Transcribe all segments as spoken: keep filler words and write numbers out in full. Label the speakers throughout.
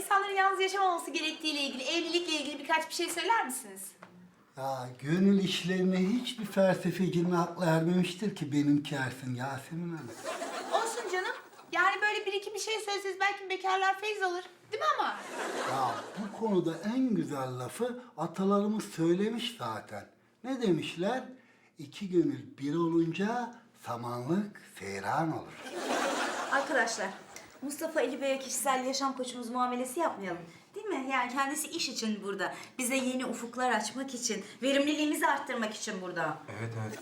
Speaker 1: insanların yalnız yaşamaması gerektiğiyle ilgili, evlilikle ilgili birkaç bir şey söyler misiniz?
Speaker 2: Ya gönül işlerine hiçbir felsefecinin aklı ermemiştir ki benimki ersin Yasemin Hanım.
Speaker 1: Olsun canım. Yani böyle bir iki bir şey söyleseniz belki bekarlar feyz alır. Değil mi ama?
Speaker 2: Ya bu konuda en güzel lafı atalarımız söylemiş zaten. Ne demişler? İki gönül bir olunca samanlık seyran olur.
Speaker 3: Arkadaşlar, Mustafa Ali Bey'e kişisel yaşam koçumuz muamelesi yapmayalım. Değil mi? Yani kendisi iş için burada. Bize yeni ufuklar açmak için, verimliliğimizi arttırmak için burada.
Speaker 4: Evet evet.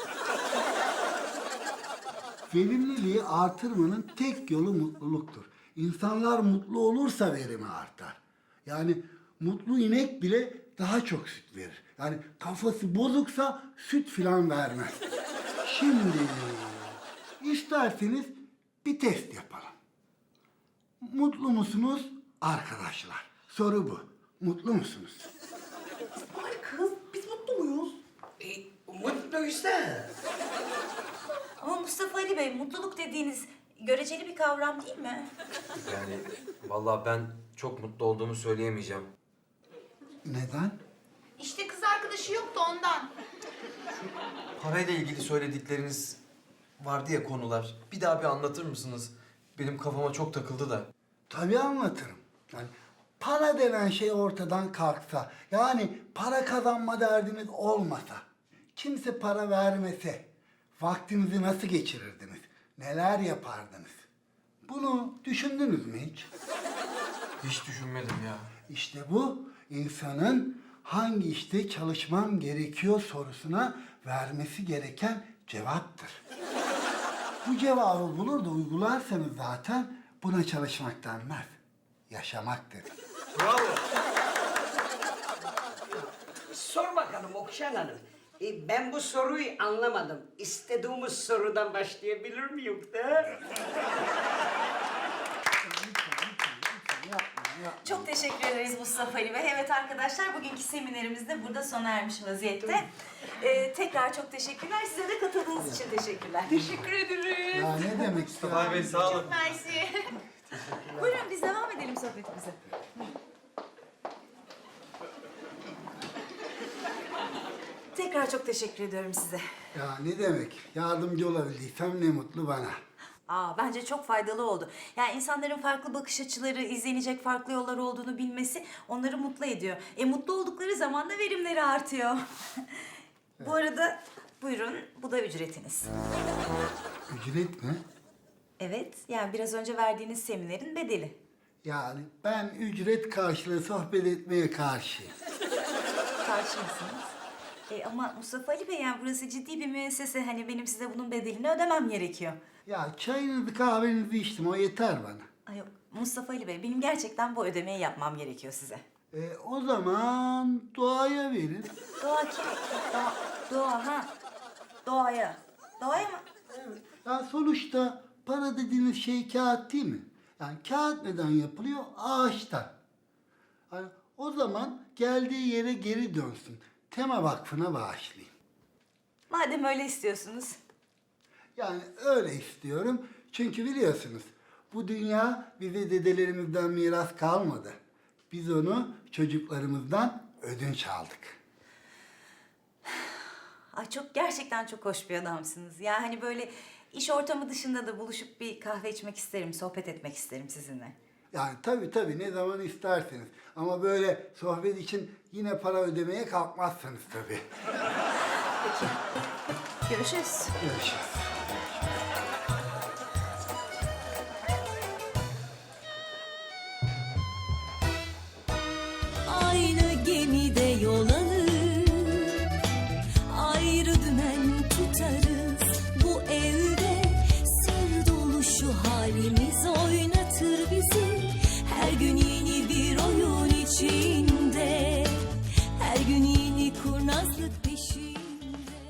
Speaker 2: Verimliliği artırmanın tek yolu mutluluktur. İnsanlar mutlu olursa verimi artar. Yani mutlu inek bile daha çok süt verir. Yani kafası bozuksa süt filan vermez. Şimdi isterseniz bir test yapalım. Mutlu musunuz arkadaşlar? Soru bu. Mutlu musunuz?
Speaker 5: Ay kız, biz mutlu muyuz?
Speaker 6: E, mutluysa.
Speaker 3: Ama Mustafa Ali Bey, mutluluk dediğiniz göreceli bir kavram değil mi?
Speaker 4: Yani vallahi ben çok mutlu olduğumu söyleyemeyeceğim.
Speaker 2: Neden?
Speaker 1: İşte kız arkadaşı yoktu ondan.
Speaker 4: Parayla ilgili söyledikleriniz vardı ya konular. Bir daha bir anlatır mısınız? Benim kafama çok takıldı da.
Speaker 2: Tabii anlatırım. Yani para denen şey ortadan kalksa, yani para kazanma derdiniz olmasa, kimse para vermese, vaktinizi nasıl geçirirdiniz? Neler yapardınız? Bunu düşündünüz mü hiç?
Speaker 4: Hiç düşünmedim ya.
Speaker 2: İşte bu insanın hangi işte çalışmam gerekiyor sorusuna vermesi gereken cevaptır. Bu cevabı bulur da uygularsanız zaten buna çalışmak denmez. Yaşamak denir.
Speaker 4: Bravo.
Speaker 6: Sor bakalım Okşan Hanım. E, ben bu soruyu anlamadım. İstediğimiz sorudan başlayabilir miyim de?
Speaker 3: Çok teşekkür ederiz Mustafa Ali Bey. Evet arkadaşlar, bugünkü seminerimiz de burada sona ermiş vaziyette. Ee, tekrar çok teşekkürler. Size de katıldığınız için teşekkürler.
Speaker 1: Teşekkür ederiz.
Speaker 2: Ya ne demek
Speaker 4: Mustafa
Speaker 2: ya?
Speaker 4: Bey sağ olun.
Speaker 1: Mersi.
Speaker 3: Buyurun biz devam edelim sohbetimize. Tekrar çok teşekkür ediyorum size.
Speaker 2: Ya ne demek? Yardımcı olabildiysem ne mutlu bana.
Speaker 3: Aa, bence çok faydalı oldu. Yani insanların farklı bakış açıları, izlenecek farklı yollar olduğunu bilmesi onları mutlu ediyor. E mutlu oldukları zaman da verimleri artıyor. Bu arada buyurun, bu da ücretiniz.
Speaker 2: Ücret mi?
Speaker 3: Evet, yani biraz önce verdiğiniz seminerin bedeli.
Speaker 2: Yani ben ücret karşılığı sohbet etmeye karşıyım.
Speaker 3: Karşı mısınız? E ama Mustafa Ali Bey, yani burası ciddi bir müessese. Hani benim size bunun bedelini ödemem gerekiyor.
Speaker 2: Ya çayınızı kahvenizi içtim, o yeter bana.
Speaker 3: Ay yok, Mustafa Ali Bey, benim gerçekten bu ödemeyi yapmam gerekiyor size.
Speaker 2: E, o zaman doğaya verin.
Speaker 3: Doğa kim? Doğa, doğa ha. Doğaya. Doğaya mı?
Speaker 2: Ya sonuçta para dediğiniz şey kağıt değil mi? Yani kağıt neden yapılıyor? Ağaçtan. Yani o zaman geldiği yere geri dönsün. Tema Vakfı'na bağışlayayım.
Speaker 3: Madem öyle istiyorsunuz.
Speaker 2: Yani öyle istiyorum. Çünkü biliyorsunuz bu dünya bize dedelerimizden miras kalmadı. Biz onu çocuklarımızdan ödünç aldık.
Speaker 3: Ay çok, gerçekten çok hoş bir adamsınız. Ya hani böyle iş ortamı dışında da buluşup bir kahve içmek isterim, sohbet etmek isterim sizinle.
Speaker 2: Yani tabii tabii ne zaman isterseniz. Ama böyle sohbet için yine para ödemeye kalkmazsanız tabii.
Speaker 3: Peki. Görüşürüz.
Speaker 2: Görüşürüz.
Speaker 7: Aynı gemide yol alır, ayrı dümen tutarız. Bu evde sır dolu şu halimiz oynar.